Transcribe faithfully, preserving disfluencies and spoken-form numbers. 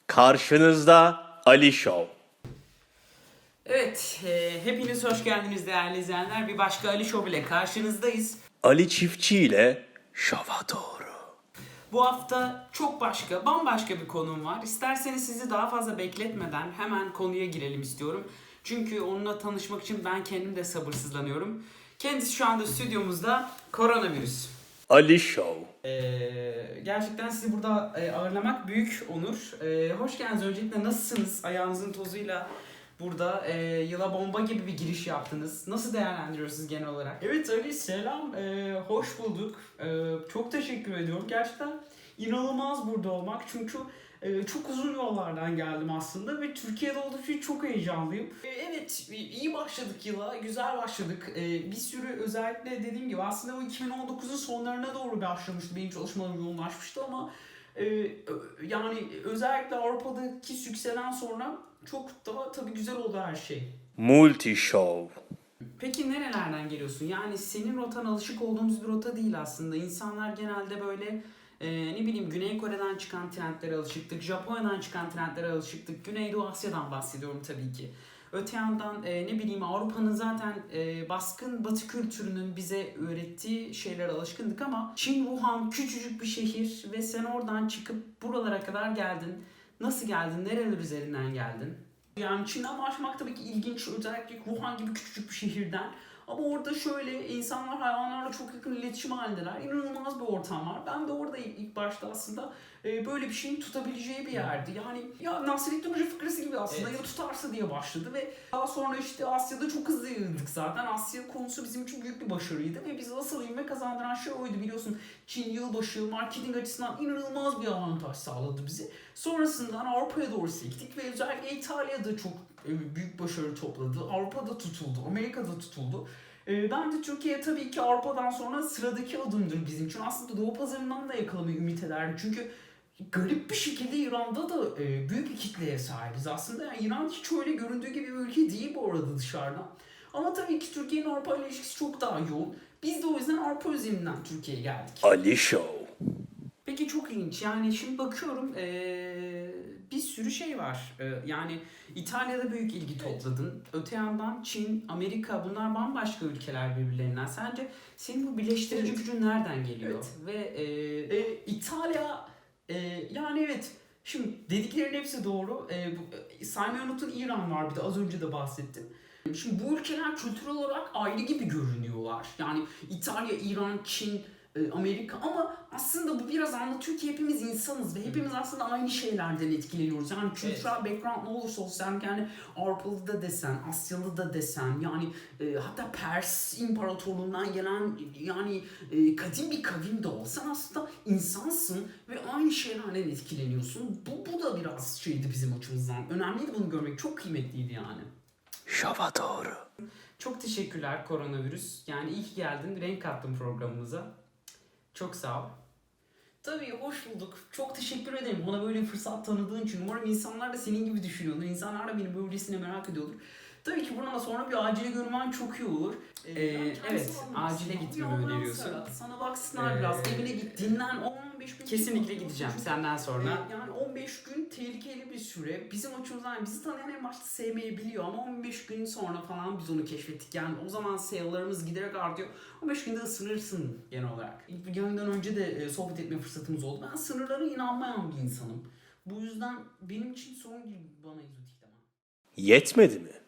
Karşınızda Ali Show. Evet, e, hepiniz hoş geldiniz değerli izleyenler. Bir başka Ali Show ile karşınızdayız. Ali Çiftçi ile şova doğru. Bu hafta çok başka, bambaşka bir konum var. İsterseniz sizi daha fazla bekletmeden hemen konuya girelim istiyorum. Çünkü onunla tanışmak için ben kendim de sabırsızlanıyorum. Kendisi şu anda stüdyomuzda, koronavirüs. Ali Show. Ee, gerçekten sizi burada e, ağırlamak büyük onur. Ee, hoş geldiniz. Öncelikle nasılsınız? Ayağınızın tozuyla burada e, yıla bomba gibi bir giriş yaptınız. Nasıl değerlendiriyorsunuz genel olarak? Evet Ali selam, ee, hoş bulduk. Ee, çok teşekkür ediyorum. Gerçekten inanılmaz burada olmak çünkü e, çok uzun yollardan geldim aslında ve Türkiye'de olduğum için çok heyecanlıyım. Ee, evet iyi başladık yıla, güzel başladık. Ee, bir sürü özellikle dediğim gibi aslında bu iki bin on dokuzun sonlarına doğru başlamıştı, benim çalışmalarım yoğunlaşmıştı ama e, yani özellikle Avrupa'daki sükseden sonra çok daha tabii güzel oldu her şey. Multi Show. Peki nerelerden geliyorsun? Yani senin rotan alışık olduğumuz bir rota değil aslında. İnsanlar genelde böyle e, ne bileyim Güney Kore'den çıkan trendlere alışıktık. Japonya'dan çıkan trendlere alışıktık. Güneydoğu Asya'dan bahsediyorum tabii ki. Öte yandan e, ne bileyim Avrupa'nın zaten e, baskın batı kültürünün bize öğrettiği şeylere alışkındık ama Çin, Wuhan küçücük bir şehir ve sen oradan çıkıp buralara kadar geldin. Nasıl geldin? Nereler üzerinden geldin? Yani Çin'den başlamak tabii ki ilginç, özellikle Wuhan gibi küçücük bir şehirden. Ama orada şöyle insanlar hayvanlarla çok yakın iletişim halindeler. İnanılmaz bir ortam var. Ben de orada ilk, ilk başta aslında e, böyle bir şeyin tutabileceği bir yerdi. Yani ya Nasrettin Hoca fıkrası gibi aslında, Evet. ya tutarsa diye başladı ve daha sonra işte Asya'da çok hızlı yayıldık zaten. Asya konusu bizim için büyük bir başarıydı ve bizi asıl ivme kazandıran şey oydu, biliyorsun. Çin yılbaşı marketing açısından inanılmaz bir avantaj sağladı bizi. Sonrasından Avrupa'ya doğru sektik ve özellikle İtalya'da çok e, büyük başarı topladı. Avrupa'da tutuldu, Amerika'da tutuldu. E, Ben de Türkiye tabii ki Avrupa'dan sonra sıradaki adımdır bizim için. Aslında Doğu pazarından da yakalamayı ümit ederdim. Çünkü garip bir şekilde İran'da da e, büyük bir kitleye sahibiz aslında. Yani İran hiç öyle göründüğü gibi bir ülke değil bu arada dışarıdan. Ama tabii ki Türkiye'nin Avrupa ile ilişkisi çok daha yoğun. Biz de o yüzden Avrupa üzerinden Türkiye'ye geldik. Ali Show. Peki çok ilginç. Yani şimdi bakıyorum eee, bir sürü şey var. Eee, yani İtalya'da büyük ilgi topladın. Öte yandan Çin, Amerika bunlar bambaşka ülkeler birbirlerinden. Sence senin bu birleştirici Evet. gücün nereden geliyor? Evet. Ve eee, E, İtalya e, yani evet, şimdi dediklerin hepsi doğru. E, bu, e, saymayı unutun, İran var bir de, az önce de bahsettim. Şimdi bu ülkeler kültürel olarak ayrı gibi görünüyorlar. Yani İtalya, İran, Çin, e, Amerika, ama aslında bu biraz anlatıyor ki hepimiz insanız ve hepimiz aslında aynı şeylerden etkileniyoruz. Yani kültürel background ne olursa olsun, sen yani Avrupalı da desen, Asyalı da desen, yani e, hatta Pers İmparatorluğundan gelen yani e, kadim bir kavim de olsan aslında insansın ve aynı şeylerden etkileniyorsun. Bu, bu da biraz şeydi bizim açımızdan. Önemliydi bunu görmek, çok kıymetliydi yani. Şova doğru. çok teşekkürler koronavirüs. Yani iyi ki geldin, renk kattın programımıza. Çok sağ ol. Tabii, hoş bulduk. Çok teşekkür ederim bana böyle bir fırsat tanıdığın için. Umarım insanlar da senin gibi düşünüyordur. İnsanlar da beni böylesine merak ediyordur. Tabii ki buradan sonra bir acile görmen çok iyi olur. Ee, evet, acile gitmemi öneriyorsun. Sana baksınlar Ee, biraz. Evine git, dinlen. on beş gün. Kesinlikle gideceğim senden sonra. Ee, Yani on beş gün tehlikeli bir süre. Bizim açımızdan, yani bizi tanıyan en başta sevmeyebiliyor ama on beş gün sonra falan biz onu keşfettik. Yani o zaman sayılarımız giderek artıyor. on beş günde ısınırsın genel olarak. İlk yayından önce de e, sohbet etme fırsatımız oldu. Ben sınırlara inanmayan bir insanım. Bu yüzden benim için sorun değil bana egzotik demem. Yetmedi mi?